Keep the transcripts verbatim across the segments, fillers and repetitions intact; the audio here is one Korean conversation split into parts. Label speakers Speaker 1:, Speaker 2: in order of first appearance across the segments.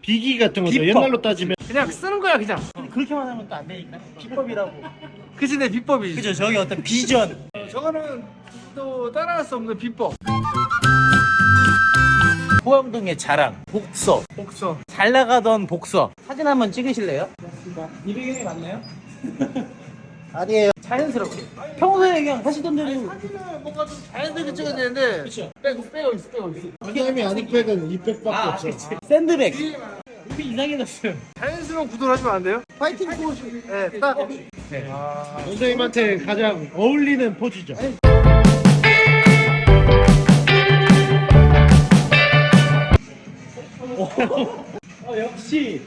Speaker 1: 비기 같은 거죠.
Speaker 2: 비법.
Speaker 1: 옛날로 따지면
Speaker 2: 그냥 쓰는 거야 그냥.
Speaker 3: 그렇게만 하면 또 안 되니까 비법이라고.
Speaker 2: 그치 내 비법이지.
Speaker 3: 그죠? 저기 어떤 비전.
Speaker 2: 어, 저거는 또 따라할 수 없는 비법.
Speaker 3: 포항동의 자랑 복서.
Speaker 2: 복서.
Speaker 3: 잘 나가던 복서 사진 한번 찍으실래요? 이 배경이 맞나요? 아니에요. 자연스럽게 평소에 그냥 하시던 대로.
Speaker 2: 사진은 뭔가 좀 자연스럽게 찍어야 되는데.
Speaker 3: 그쵸.
Speaker 2: 빼고 빼고 있어 빼고 있어.
Speaker 1: 원장님이 아는 백은 이 백밖에
Speaker 3: 아,
Speaker 1: 없어.
Speaker 3: 그치. 샌드백 이렇게 이상해졌어요.
Speaker 2: 자연스러운 구도를 하시면 안 돼요? 파이팅 포즈. 네, 딱.
Speaker 3: 네.
Speaker 2: 아,
Speaker 1: 원장님한테 가장 어울리는 포즈죠.
Speaker 3: 어, 역시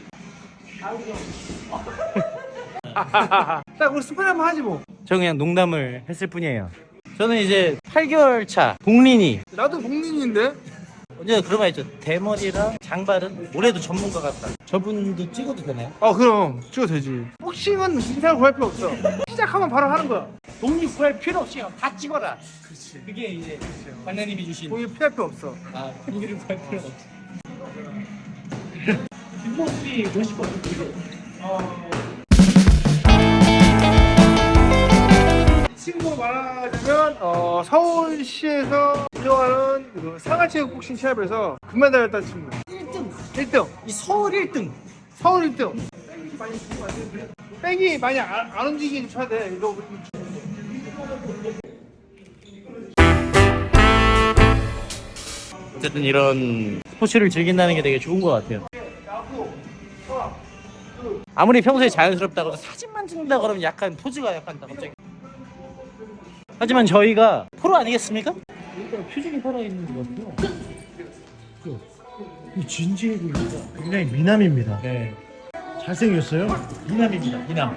Speaker 2: 딱 우리 스포 한번 하지 뭐.
Speaker 3: 저 그냥 농담을 했을 뿐이에요. 저는 이제 팔 개월 차 복린이
Speaker 2: 나도 복린인데.
Speaker 3: 언제 그런 말 있죠. 대머리랑 장발은 올해도 전문가 같다. 저분도 찍어도 되나요?
Speaker 2: 어 그럼 찍어도 되지. 복싱은 인상을 구할 필요 없어. 시작하면 바로 하는 거야.
Speaker 3: 독립 구할 필요 없이 다 찍어라. 그렇지. 그게 이제 관장님이 주신
Speaker 2: 공이 피할 필요 없어.
Speaker 3: 아 독립을 구할 필요 없지. 뒷모습이 멋있거든요.
Speaker 2: 친구로 말하자면 어, 서울시에서 운영하는 그 상하체육 복싱 시합에서 금메달을 딴 친구.
Speaker 3: 일 등.
Speaker 2: 일 등.
Speaker 3: 이 서울 일 등.
Speaker 2: 서울 일 등. 백이 많이 안, 안 움직이게 쳐야 돼. 이거
Speaker 3: 어쨌든 이런 스포츠를 즐긴다는 게 되게 좋은 것 같아요. 아무리 평소에 자연스럽다고 해도 사진만 찍는다 그러면 약간 포즈가 약간 갑자기. 하지만 저희가 프로 아니겠습니까? 일단 표정이 살아있는 것 같아요.
Speaker 1: 이 진지해 보입니다. 굉장히 미남입니다.
Speaker 3: 네,
Speaker 1: 잘생겼어요.
Speaker 3: 미남입니다. 미남.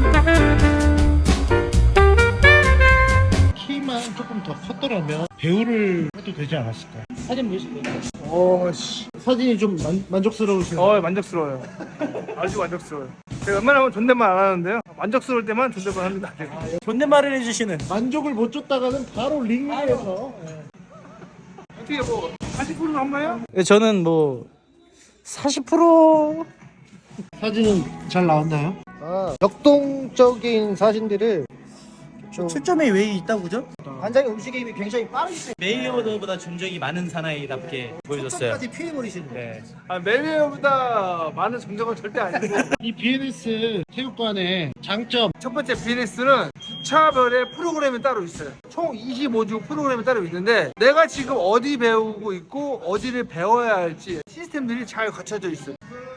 Speaker 1: 키만 조금 더 컸더라면 배우를 해도 되지 않았을까.
Speaker 3: 사진 보실까요?
Speaker 2: 오씨.
Speaker 1: 사진이 좀 만, 만족스러우시나요?
Speaker 2: 어 만족스러워요. 아주 만족스러워요. 제가 웬만하면 존댓말 안 하는데요. 만족스러울 때만 존댓말 합니다.
Speaker 3: 존댓말을 해주시는.
Speaker 1: 만족을 못 줬다가는 바로 링위에서
Speaker 2: 어떻게 뭐 사십 퍼센트 한마요?
Speaker 3: 저는 뭐 사십 퍼센트
Speaker 1: 사진은 잘 나왔나요?
Speaker 4: 아, 역동적인 사진들을 좀
Speaker 3: 출점에 왜 있다고죠?
Speaker 4: 관장의 움직임이 굉장히 빠르기
Speaker 3: 메이어더보다 존적이 많은 사나이답게 보여줬어요.
Speaker 4: 때문에 피해버리시는 거예요.
Speaker 3: 네.
Speaker 2: 아, 멜리어보다 많은 정적은 절대 아니고.
Speaker 1: 이 비엔에스 체육관의 장점
Speaker 2: 첫 번째 비즈니스는 주차별의 프로그램이 따로 있어요. 총 이십오 주 프로그램이 따로 있는데 내가 지금 어디 배우고 있고 어디를 배워야 할지 시스템들이 잘 갖춰져 있어요.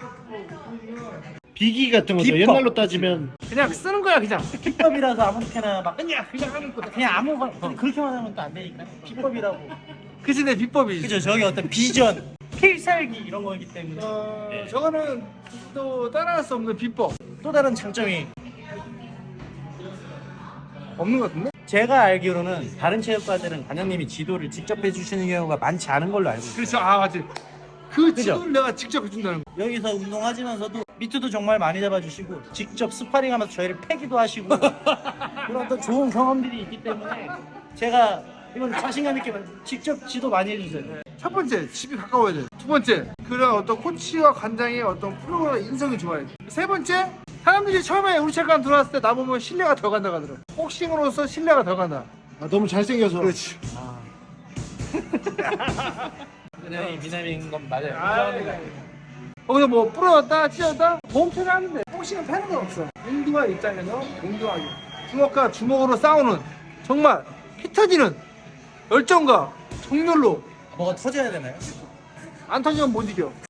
Speaker 1: 비기 같은 거죠.
Speaker 3: 비법.
Speaker 1: 옛날로 따지면
Speaker 2: 그냥 쓰는 거야 그냥.
Speaker 3: 비법이라서 아무렇게나 막
Speaker 2: 그냥 그냥 하는 거야.
Speaker 3: 그냥 아무거나 그렇게만 하면 또 안 되니까 비법이라고.
Speaker 2: 그치 내 비법이지.
Speaker 3: 그죠? 저기 어떤 비전, 필살기 이런 거기 때문에
Speaker 2: 어,
Speaker 3: 네.
Speaker 2: 저거는 또 따라할 수 없는 비법
Speaker 3: 또 다른 장점이
Speaker 2: 없는 것 같은데?
Speaker 3: 제가 알기로는 다른 체육관들은 관장님이 지도를 직접 해주시는 경우가 많지 않은 걸로 알고 있어요.
Speaker 2: 그렇죠. 아 맞지. 그
Speaker 3: 그죠?
Speaker 2: 지도를 내가 직접 해준다는 거.
Speaker 3: 여기서 운동하시면서도 미트도 정말 많이 잡아주시고 직접 스파링하면서 저희를 패기도 하시고 그런 어떤 좋은 경험들이 있기 때문에 제가 이건 자신감 있게 직접 지도 많이 해주세요.
Speaker 2: 첫 번째 집이 가까워야 돼. 두 번째 그런 어떤 코치와 관장의 어떤 프로그램 인성이 좋아야 돼. 세 번째 사람들이 처음에 우리 체육관 들어왔을 때 나보면 신뢰가 더 간다 하더라고. 복싱으로서 신뢰가 더 간다.
Speaker 1: 아, 너무 잘생겨서
Speaker 2: 그렇지.
Speaker 3: 그냥 미남인 건 맞아요.
Speaker 2: 아, 거기서 뭐 부러졌다 찢었다 몸체를 하는데 복싱은 패는 건 없어. 인도와 입장에서 공정하게 주먹과 주먹으로 싸우는 정말 피 터지는 열정과 정렬로
Speaker 3: 뭐가 터져야 되나요?
Speaker 2: 안 터지면 못 이겨.